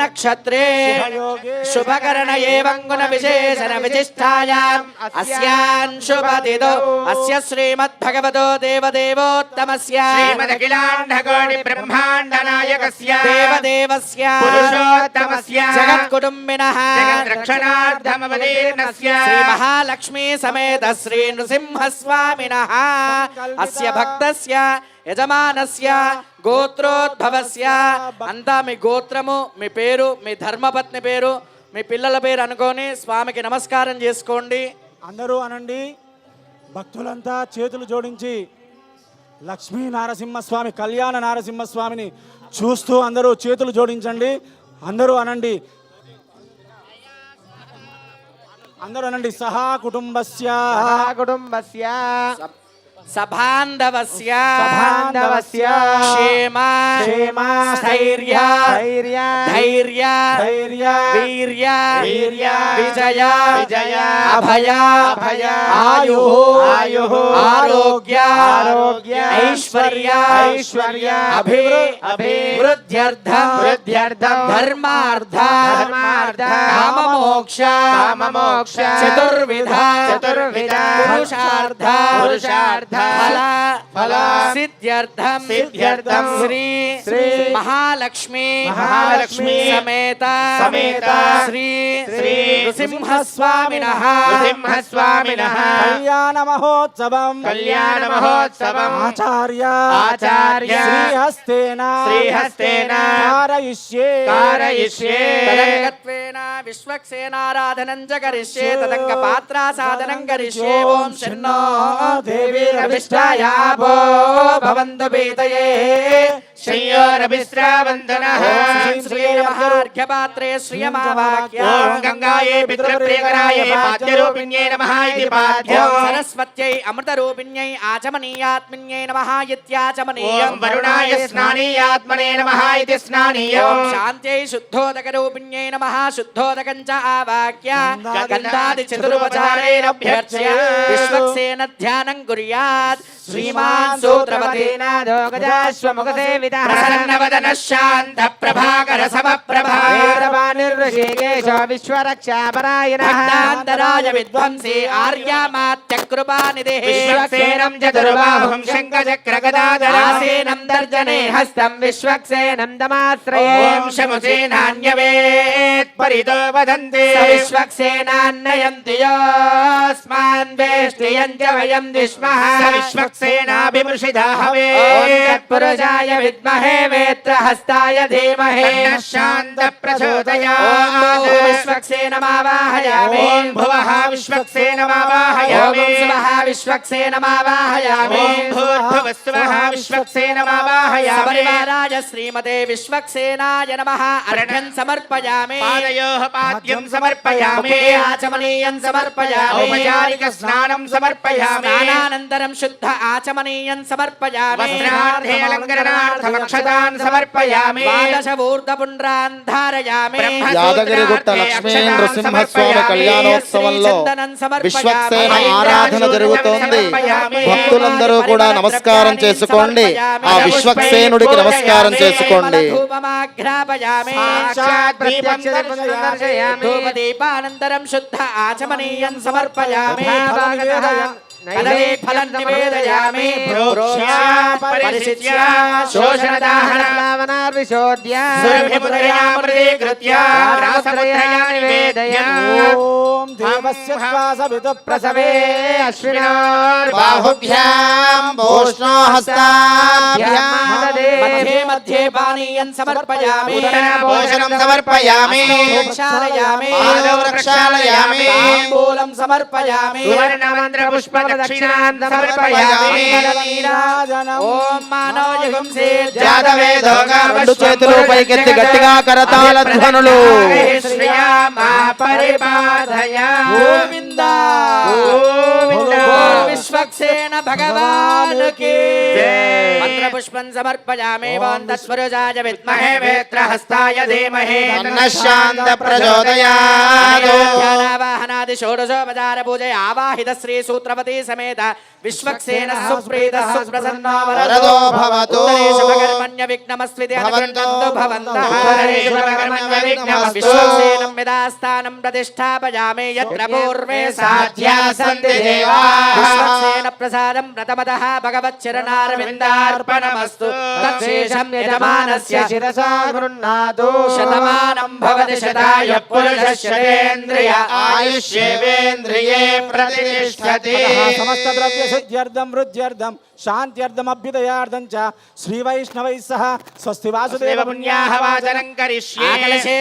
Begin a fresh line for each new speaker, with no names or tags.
नक्षत्रे शुभकरण एवं गुण विशेषण विशिष्टायाम् अस्यान् शुभतिथौ अस्य श्रीमद्भगवतो देवदेवोत्तमस्य
श्रीमदखिलाण्डकोटि ब्रह्माण्ड नायकस्य
देवदेवस्य
पुरुषोत्तमस्य
जगत्कुटुम्बिनः
जगद्रक्षणार्थमवतीर्णस्य
श्री महालक्ष्मी समेत श्री नृसिंहस्वामिनः अस्य भक्तस्य యజమానస్య గోత్రోద్భవస్య అంతా మీ గోత్రము మీ పేరు మీ ధర్మపత్ని పేరు మీ పిల్లల పేరు అనుకొని స్వామికి నమస్కారం చేసుకోండి.
అందరూ అనండి. భక్తులంతా చేతులు జోడించి లక్ష్మీ నారసింహస్వామి కళ్యాణ నారసింహస్వామిని చూస్తూ అందరూ చేతులు జోడించండి. అందరూ అనండి. అందరూ అనండి. సహా కుటుంబస్య
సభాంధవస్య
క్షేమ
స్థైర్య ధైర్య వీర్య విజయ అభయ ఆయు ఆరోగ్య ఐశ్వర్య అభివృద్ధ్యర్థం ధర్మార్థ కామమోక్ష చతుర్విధ పురుషార్థ फल सिद्ध्यर्थम श्री महालक्ष्मी समेत श्री नृसिंहस्वामिनः
कल्याण महोत्सवम आचार्य श्रीहस्तेन कारयिष्ये
तदंगत्वेन विश्वक्सेनाराधनं च करिष्ये तदंगपात्रासादनं करिष्ये ओम शन्नो देवी रविष्ठायापो भवन्तु पीतये
श्रीयोरभिस्रावन्तनः
श्रीमहार्घ्यपात्रे श्रियमावाक्या
ओम गंगायै पितृप्रियकरायै पाद्यरूपिण्यै नमः इति पाद्यो
सरस्वत्यै अमृतरूपिण्यै आचमनीयात्मन्यै नमः इत्याचमनीयम्
ओम वरुणाय स्नानीयात्मने नमः इति स्नानीयम्
शान्त्यै शुद्धोदकरूपिण्यै नमः शुद्धोदकं च आवाक्य गन्धादि चतुरुपचारैरभ्यर्च्य विश्वक्सेन ध्यानं कुर्यात् श्रीमान् सूत्रवतेन
दोगजाश्वमुखसेवितः प्रसन्नवदनः शान्तप्रभाकर समप्रभा
ऋषिकेश विश्वरक्षापरायणः
भक्तान्तराय विद्वंसी आर्यामात्यकृपानिधिः
विश्वक्सेनं चतुर्बाहुं शङ्खचक्रगदाधरासेनं
तर्जने हस्तं विश्वक्सेनं दमाश्रये
ॐ शमुसेनान्यवेत् परितो वदन्ति
विश्वक्सेनान्नयन्ति योऽस्मान् वेष्टियं च वयं द्विष्मः
विश्वक्सेनाभिमृषिता हवे
तत्पुरुषाय विद्महे वेत्रहस्ताय धीमहि
शान्तप्रचोदयात्
विश्वक्सेनमावाहयामि
ॐ भुवः विश्वक्सेनमावाहयामि
ॐ स्वः विश्वक्सेनमावाहयामि
ॐ भूर्भुवस्सुवः विश्वक्सेनमावाहयामि
सपरिवाराय श्रीमते विश्वक्सेनाय नमः अर्घ्यं समर्पयामि
पादयोः पाद्यं समर्पयामि
आचमनीयं समर्पयामि
औपचारिक स्नानं समर्पयामि
स्नानानन्तरं शुद्ध आचमनीयं समर्पयामि
वस्त्रार्थे अलङ्करणार्थमक्षतान् समर्पयामि
द्वादशपूर्धपुण्ड्रान् धारयामि
యాదగిరిగుట్ట లక్ష్మీ నృసింహస్వామి కళ్యాణోత్సవంలో విశ్వక్సేన ఆరాధన జరుగుతోంది. భక్తులందరూ కూడా నమస్కారం చేసుకోండి. ఆ విశ్వక్సేనుడికి నమస్కారం చేసుకోండి.
ధూపదీపానంతరం శుద్ధ ఆచమనీయం సమర్పయామి फलं निवेदयामि परिशिष्य
शोषणदाहनावनार्विशोद्य
सुरभिमुद्रयामृतीकृत्य रासमुद्रया निवेदयामि
ओम देवस्य श्वासवितः
प्रसवे अश्विनोर्बाहुभ्यां
भूष्णो हस्ताभ्यां
मध्ये मध्ये पानीयं समर्पयामि
भोजनं समर्पयामि
प्रक्षालयामि
पादौ प्रक्षालयामि
ताम्बूलं समर्पयामि
सुवर्णमन्त्रपुष्प दक्षिणान् समर्पयामि
ओम मानवयुगं से
जातवेदो
రెండు చేతులు పైకెత్తి గట్టిగా కరతాళ ధ్వనులు.
శ్రీయామా పరిపాదయ
గోవింద గోవింద విశ్వక్సేన భగవాన్ की మంత్రపుష్పం సమర్పయామి ఓం తత్పురుషాయ విద్మహే వేత్రహస్తాయ ధీమహి
తన్నః శాంత ప్రచోదయాత్.
ధ్యానావాహనాది షోడశోపచార పూజ ఆవాహిత శ్రీ సూత్రవతి समेत विश्वक्सेन सुप्रीत सुप्रसन्नो
वरदो भवतु।
शुभकर्मण्य विघ्नमस्विति अनुगृह्णन्तु भवन्तः
शुभकर्मण्य विघ्नमस्तु।
विश्वक्सेनं यदास्थानं प्रतिष्ठापयामि यत्र पूर्वे
साध्या सन्ति देवाः।
विश्वक्सेन प्रसादं प्रथमतः भगवच्चरणारविन्दार्पणमस्तु तत्शेषं यजमानस्य
शिरसा गृह्णातु
शतमानं भवति शताय पुरुषः शतेन्द्रिय
आयुष्येवेन्द्रिये प्रतिष्ठति।
समस्त द्रव्य सिद्ध्यर्थम वृद्ध्यर्थम शांत्यर्थम अभ्युदयार्थम च श्री वैष्णवैः सह स्वस्ति वासुदेव
पुण्याः वाचनं करिष्ये।